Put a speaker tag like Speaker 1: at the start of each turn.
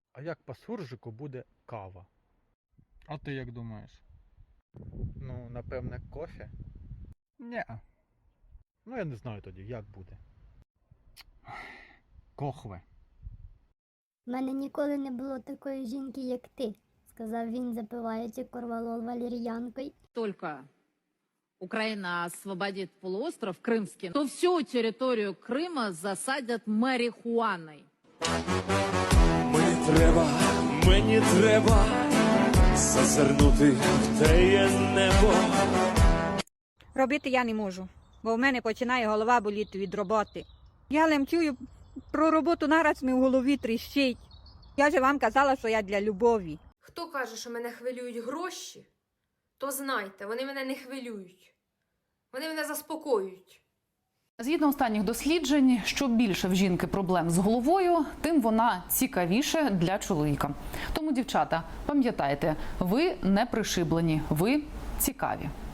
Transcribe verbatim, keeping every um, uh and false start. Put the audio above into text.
Speaker 1: А як по суржику буде кава? А ти як думаєш? Ну, напевне, кофе? Ні. Ну, я не знаю тоді, як буде. Кохве.
Speaker 2: У мене ніколи не було такої жінки, як ти, сказав він, запиваючи корвалол валер'янкою.
Speaker 3: Только Украина освободит полуостров Крымский, то всю территорию Крыма засадят марихуаной.
Speaker 4: Мені треба, мені треба зазирнути в теє небо.
Speaker 5: Робити я не можу, бо в мене починає голова боліти від роботи. Я лемчую про роботу, нараз ми в голові тріщить. Я же вам казала, що я для любові.
Speaker 6: Хто каже, що мене хвилюють гроші, то знайте, вони мене не хвилюють. Вони мене заспокоюють.
Speaker 7: Згідно останніх досліджень, що більше в жінки проблем з головою, тим вона цікавіше для чоловіка. Тому, дівчата, пам'ятайте, ви не пришиблені, ви цікаві.